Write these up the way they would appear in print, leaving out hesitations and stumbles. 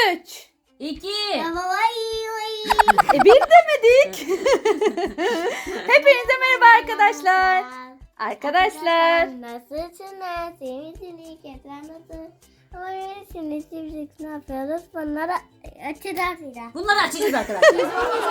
3. 2. Bir demedik. Hepinize merhaba arkadaşlar. Arkadaşlar. Nasılsınız? Sevmişsiniz. Nasıl? Ama öylesiniz. Şimdi ne yapıyoruz? Bunları açacağız. Bunları açacağız arkadaşlar.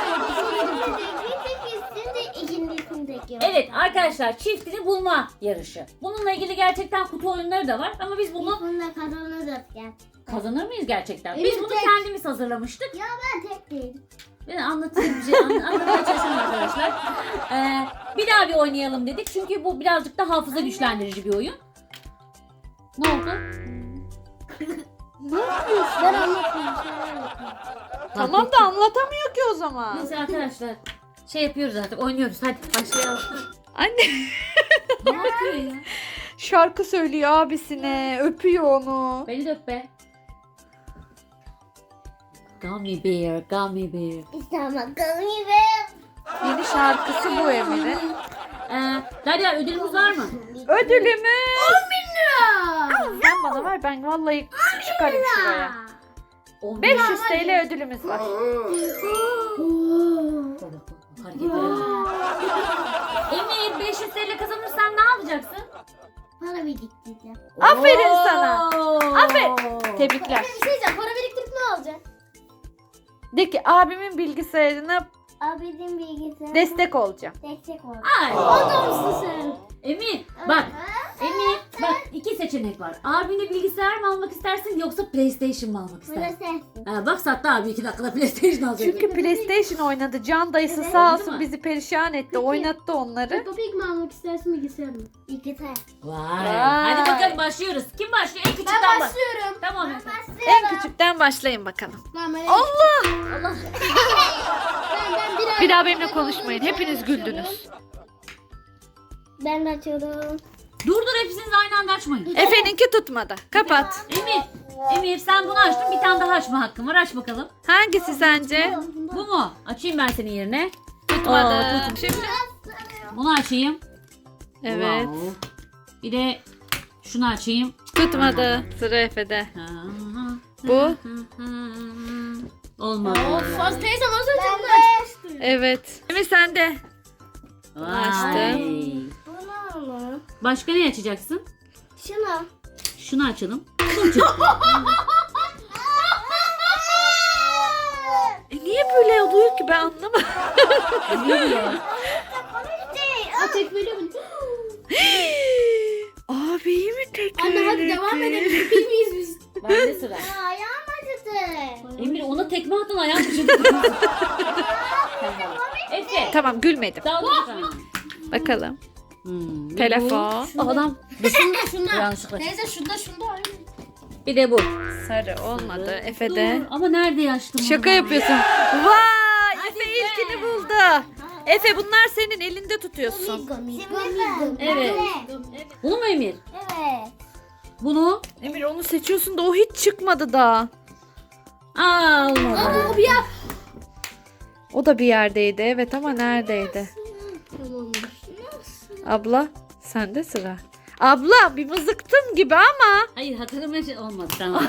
Evet arkadaşlar, çiftini bulma yarışı. Bununla ilgili gerçekten kutu oyunları da var ama biz bunu Bununla kazanacağız ya. kazanır mıyız gerçekten? Evet, Biz bunu tek. kendimiz hazırlamıştık. Ya ben tek değilim. Ben anlatayım bir şey anlatmaya çalışıyorum arkadaşlar. Bir daha bir oynayalım dedik çünkü bu birazcık da hafıza güçlendirici bir oyun. Ne oldu? Ne yapıyorsun? Ben anlatmayayım. Tamam da anlatamıyor ki o zaman. Neyse arkadaşlar, şey yapıyoruz artık, oynuyoruz, hadi başlayalım. Anne Ne yapıyor ya? şarkı söylüyor abisine. Öpüyor onu. Beni de öp be. Gummy bear, gummy bear. İstemem bakalım be. Yeni şarkısı bu Emir'in. Derya, ödülümüz var mı? Ödülümüz. 10.000 lira. Sen bana ver, ben vallahi çıkarım şuraya. 10 500 TL ödülümüz var. Emir, 500 TL kazanırsan ne yapacaksın? Para biriktireceğim. Aferin sana. Aferin. Tebrikler. Bir şey diyeceğim. Para biriktirip ne alacak? De ki abimin bilgisayarına Abinin bilgisayarı. destek olacağım. Destek ol. Ay. Adamsın sen. Emir, bak. Emir, bak, iki seçenek var. Abine bilgisayar mı almak istersin yoksa PlayStation mı almak istersin? Burası. Bak, sattı abi 2 dakikada PlayStation alacak. Çünkü PlayStation oynadı. Can dayısı Evet, sağ değil olsun mi? bizi perişan etti. Oynattı onları. Peppa Pig mi almak istersin bilgisayar mı? İkisi. Vay. Hadi bakalım, başlıyoruz. Kim başlıyor? En küçükten Ben baş. başlıyorum. Tamam. En küçükten başlayın bakalım. Ben Allah! Allah. Bir daha benimle konuşmayın. Hepiniz güldünüz. Ben de açıyorum. Dur, hepsiniz aynı anda açmayın. Efe'ninki tutmadı. Kapat. Emir sen bunu açtın, bir tane daha açma hakkın var. Aç bakalım. Hangisi sence? Bu mu? Açayım ben senin yerine. Tutmadı. Aa, Şimdi. Bunu açayım. Evet. Wow. Bir de şunu açayım. Tutmadı. Sıra Efe'de. Bu? Olmadı. Faz teyzem az önce bunu açtı. Evet. Emir sende. Vay. Bunu mu? Başka ne açacaksın? Şunu. Şunu açalım. Şunu açalım. Niye böyle oluyor ki ben anlamadım. Ne diyor? Tek böyle mi? Abiyi mi tekrar Anne hadi devam edelim. Biz miyiz biz? Bende sıra. Ayağım acıdı. Emir ona tekme attın, ayağım düşürdü. Tamam. Efe. Tamam, gülmedim. Daha da Bakalım. ne Telefon. bu? Adam. Şunda. Yanlışlıkla. Teyze şunda. Bir de bu. Sarı olmadı. Efe'de. Dur, ama nerede açtım? Şaka onu? yapıyorsun. Vay! Hadi Efe be. ilkini buldu. Efe bunlar senin elinde tutuyorsun. Evet. Bunu mu Emir? Evet. Bunu? Emir onu seçiyorsun da o hiç çıkmadı daha. Aa, olmadı. Abi ya. O da bir yerdeydi evet ama neredeydi? Abla sende sıra. Abla bir mızıktım gibi ama. Hayır, hatırlamaya şey olmadı, tamam.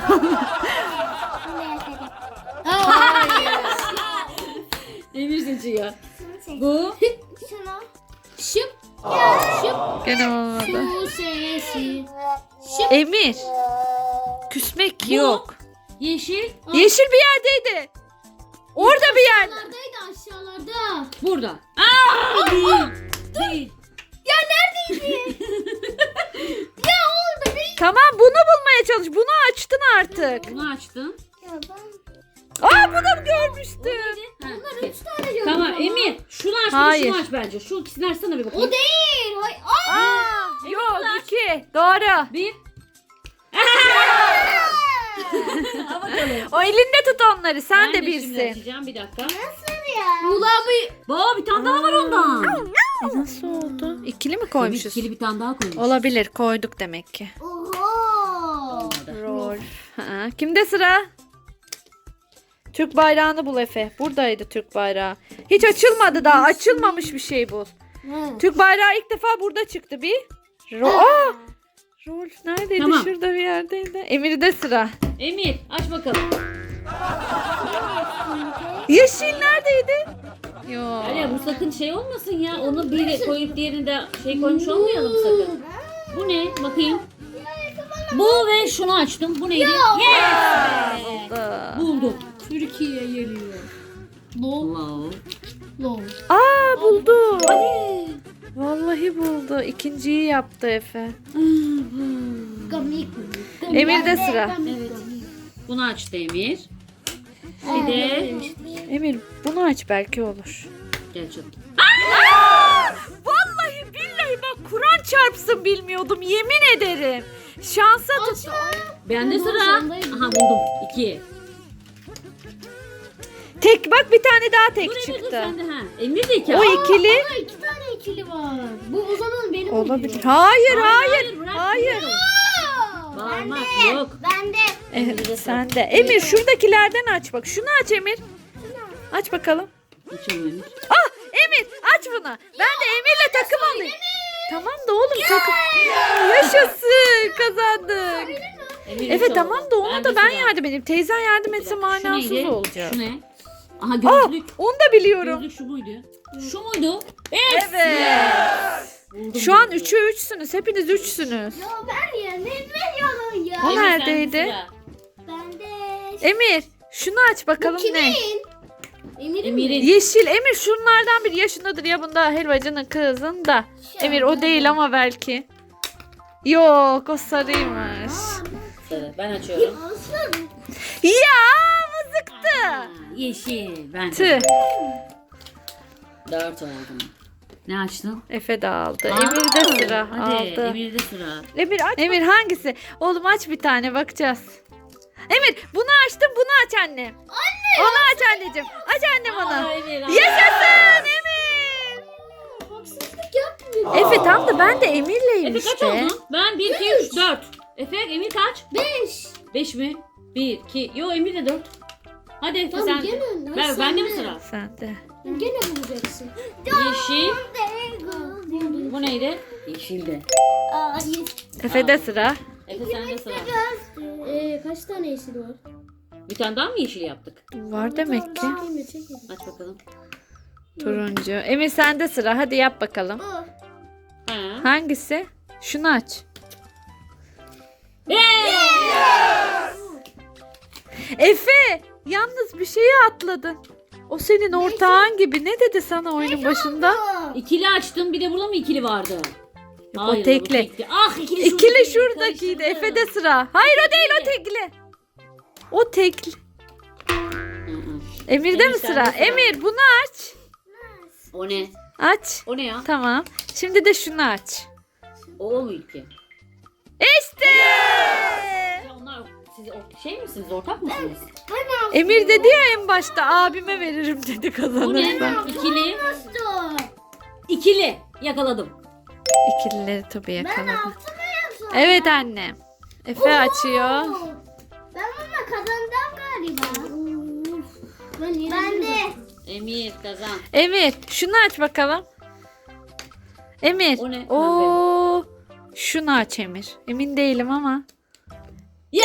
Emir seçiyor. Bu? Şunu. Şıp. Şıp. Gene olmadı. Şu sesi. Şıp. Emir. Küsmek Bu? yok. Yeşil. Yeşil bir yerdeydi. Orada bir yerde. Aşağılardaydı aşağılarda. Burada. Aa, değil. Değil. Tamam bunu bulmaya çalış. Bunu açtın artık. Bunu açtın. Ya ben. Aa bunu görmüştüm. Bunlar 3 tane gördüm. Tamam ama. Emir. Şunu aç, Hayır. şunu aç bence. Şu ikisini açsana bir bakayım. O değil. Hayır. Aa, yok 2. Doğru. Bir. Al bakalım. O elinde tut onları. Sen de şimdi bilsin. açacağım, bir dakika. Nasıl ya? Ulabi. Baba, bir tane daha var ondan. Nasıl oldu? İkili mi Emir koymuşuz? ikili bir tane daha koymuş. Olabilir. Koyduk demek ki. Oho. Rol. Ha, kimde sıra? Türk bayrağını bul Efe. Buradaydı Türk bayrağı. Hiç açılmadı daha. Açılmamış bir şey bul. Türk bayrağı ilk defa burada çıktı bir. Aa! Rol neredeydi? Tamam. Şurada bir yerdeydi. Emir'de sıra. Emir aç bakalım. Yeşil neredeydi? Yo. Öyle bu sakın şey olmasın ya. Onu bir koyup diğerini de şey koymuş olmayalım sakın. Bu ne? Bakayım. Bu ve şunu açtım. Bu neydi? Yes! Da. Buldum. Türkiye geliyor. Lol. Wow. Lol. Aa buldu. Hadi. Vallahi buldu. İkinciyi yaptı Efe. Gamik. Emir'de sıra. Evet. Bunu açtı Emir. Bir de Emir bunu aç belki olur. gel canım. Vallahi billahi bak Kur'an çarpsın bilmiyordum yemin ederim. Şansa tuttu. Bende Tamam, sıra. sondayım. Aha buldum. 2. Tek bak bir tane daha tek Dur Emir dur çıktı. sende ha. Emir de 2. O ikili Ama 2 tane ikili var. Bu o zaman benim olabilir. oluyor. Hayır Hayır, hayır. bırak. Hayır. Bağırmak yok. Ben de. Evet, sen de. Emir şuradakilerden aç bak. Şunu aç Emir. Aç bakalım. Açalım Emir. Ah Emir aç bunu. Ben de Emir'le takım alayım. Tamam da oğlum takım. Yaşasın kazandık. Emir Evet üç tamam oldu. da ona Bende da ben sıra. yardım edeyim. Teyzen yardım etse Şu manasız neydi? olacak. Şu ne? Aha Aa gözlük. onu da biliyorum. Gözlük şu muydu? Şu muydu? Yes! Evet. Buldum, Şu an buldum. 3'ü 3'sünüz. Hepiniz 3'sünüz. Ya ben ya ne veriyorum ya. O Emir, sende neredeydi? sıra. Ben de. Emir şunu aç bakalım ne? Emir'in. Emir'in. Yeşil Emir şunlardan bir yaşındadır ya bunda helvacının kızında. Emir o değil ama belki. Yok o sarıymış. Sarı. Ben açıyorum. Alsın. Ya mızıktı. Aa, yeşil. Ben Tüh. de. 4 oldum. Ne açtın? Efe de aldı. Aa, Emir'de sıra Hadi aldı. Emir'de sıra. Emir aç. Emir hangisi? Oğlum aç bir tane bakacağız. Emir bunu açtım bunu aç annem. Anne. Onu aç anneciğim. Aç annem onu. Aa, Emir, aa. Yaşasın Emir. Haksızlık yapmıyor. Efe tam da ben de Emir'leyim Efe kaç işte. oldu? Ben 1, 2, 3, 4. Efe Emir kaç? 5. 5 mi? 1, 2. Yo Emir de 4. Hadi Efe Tamam, sen. gene önden, Ben, sen bende mi de. sıra? Sen de. Gene bulacaksın. Yeşil. Buldum. Bu neydi? Yeşildi. Aa, Efe'de sıra. Efe sende sıra. kaç tane yeşil var? Bir tane daha mı yeşil yaptık? Var demek ki. Çekeyim, çekeyim. Aç bakalım. Turuncu. Emir sende sıra. Hadi yap bakalım. Aa, Ha. Hangisi? Şunu aç. Efe! Yalnız bir şeyi atladın. O senin ortağın gibi. Ne dedi sana oyunun başında? İkili açtım. Bir de burada mı ikili vardı? Yok, o Hayır, tekli. bu tekli. Ah ikili İkili şuradaki. şuradakiydi. Karıştırdım. Efe'de sıra. Hayır o değil o tekli. O tekli. Hı hı. Emir'de Emir, mi sende sıra? sıra. Emir bunu aç. O ne? Aç. O ne ya? Tamam. Şimdi de şunu aç. O mu ilki? İşte. Ya onlar siz şey misiniz? Ortak mısınız? Emir dedi ya en başta abime veririm dedi Bu ne? kazanırsa. İkili. Nasıl? İkili. Yakaladım. İkilileri tabii yakaladım. Evet annem. Efe açıyor. Ben ama kazandım galiba. Ben de. Emir kazan. Emir şunu aç bakalım. Emir. O ne? Oo. Şunu aç Emir. Emin değilim ama. Yes.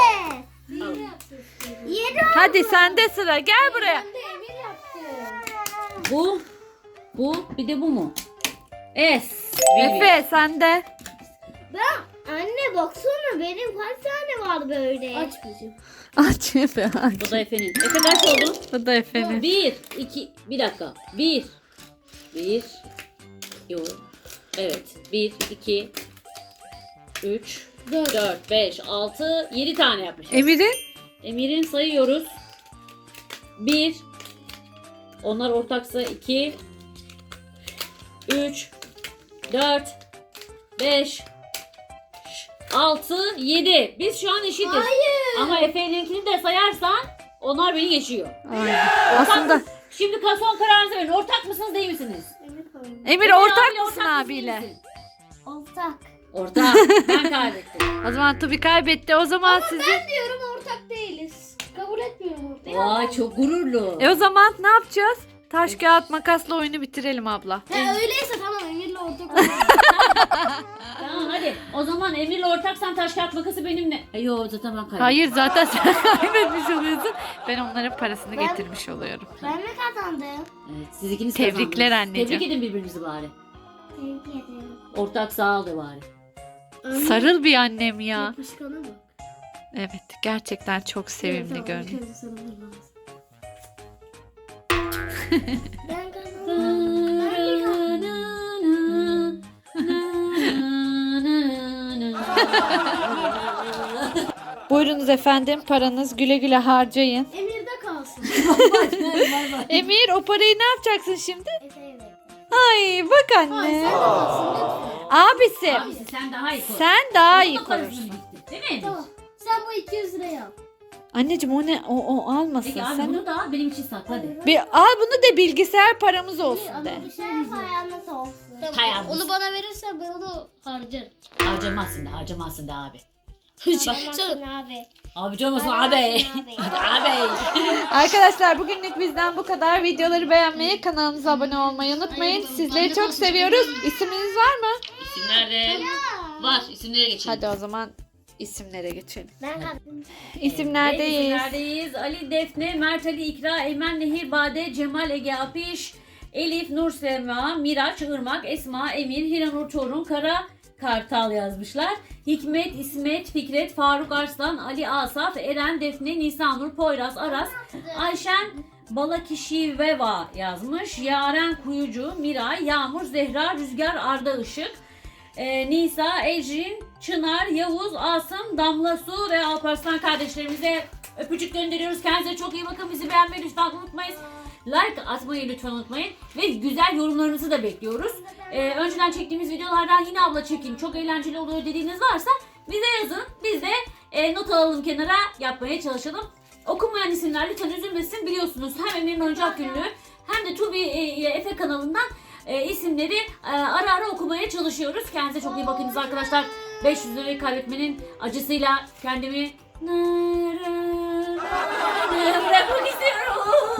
Yedi. Hadi sende sıra. Gel buraya. Ben de Emir yaptı. Bu. Bu. Bir de bu mu? Es. Efe sende. Ben anne baksana benim kaç tane var böyle. Aç bizim. Aç Efe aç. Bu da Efe'nin. Efe kaç oldu? Bu da Efe'nin. 1, 2, bir dakika. 1. 1. Yok. Evet. 1, 2, 3, 4, 5, 6, 7 tane yapmışız. Emir'in? Emir'in sayıyoruz. 1. Onlar ortaksa 2. 3. 4. 5. 6. 7. Biz şu an eşitiz. Hayır. Ama Efe'ninkini de sayarsan onlar beni geçiyor. Aynen. Ortak Aslında mı- Şimdi son kararınızı verin. Ortak mısınız değil misiniz? Emir ortak mısın abiyle? Ortak. Ortak. Ben kaybettim. O zaman Tubi kaybetti. O zaman sizi... Ben diyorum ortak değiliz. Kabul etmiyorum ortak. Vay çok gururlu. O zaman ne yapacağız? Taş kağıt makasla oyunu bitirelim abla. He öyleyse tamam Emir'le ortak olalım. Tamam hadi Hadi o zaman Emir'le ortaksan taş kağıt makası benimle. Yo zaten ben kaybettim. Hayır zaten sen kaybetmiş oluyorsun. Ben onların parasını getirmiş oluyorum. Ben mi kazandım? Evet, siz ikiniz Tebrikler kazandınız. anneciğim. Tebrik edin birbirinizi bari. Tebrik ederim. Ortak sağ ol de bari. Sarıl bir annem ya. Yapışkanı bak. Evet gerçekten çok sevimli görünüyor. Ben kazandım. Ben kazandım. Buyurunuz efendim paranız güle güle harcayın. Emir'de kalsın. Emir o parayı ne yapacaksın şimdi? Efe'ye ver. Ay bak anne. Abisi. Abisi sen daha iyi koy. Sen daha iyi Onun da parasını korursun. biriktir, değil mi? Tamam. Sen bu 200 lirayı al. Anneciğim o ne? O almasın. Peki abi Sen bunu da al benim için sakla hadi. bir al bunu de bilgisayar paramız olsun de. Bir şey ayağına olsun. Tamam. Onu bana verirsen ben onu harcarım. Harcamazsın da abi. Tamam abi. Abi olmasın abi. Harcamazsın abi. Abi. Arkadaşlar bugünlük bizden bu kadar. Videoları beğenmeyi, kanalımıza abone olmayı unutmayın. Sizleri çok seviyoruz. İsminiz var mı? İsim nerede? Var isimlere geçelim. Hadi o zaman isimlere geçelim. Ben kazandım. İsimlerdeyiz. İsimlerdeyiz. Ali, Defne, Mert Ali, İkra, Eymen, Nehir, Bade, Cemal, Ege, Apiş, Elif, Nur, Sema, Miraç, Irmak, Esma, Emir, Hiranur, Torun, Kara, Kartal yazmışlar. Hikmet, İsmet, Fikret, Faruk Arslan, Ali Asaf, Eren, Defne, Nisanur, Poyraz, Aras, Ayşen, Balakişiveva yazmış. Yaren Kuyucu, Miray, Yağmur, Zehra, Rüzgar, Arda Işık, Nisa, Ecrin, Çınar, Yavuz, Asım, Damla Su ve Alparslan kardeşlerimize öpücük gönderiyoruz. Kendinize çok iyi bakın. Bizi beğenmeyi lütfen unutmayın. Like atmayı lütfen unutmayın. Ve güzel yorumlarınızı da bekliyoruz. Önceden çektiğimiz videolardan yine abla çekin çok eğlenceli oluyor dediğiniz varsa bize yazın. Biz de not alalım kenara yapmaya çalışalım. Okunmayan isimler lütfen üzülmesin. Biliyorsunuz hem Emir'in oyuncak günlüğü hem de Tubi Efe kanalından isimleri ara ara okumaya çalışıyoruz. Kendinize çok iyi bakınız arkadaşlar. 500 lirayı kaybetmenin acısıyla kendimi bırakmak istiyorum.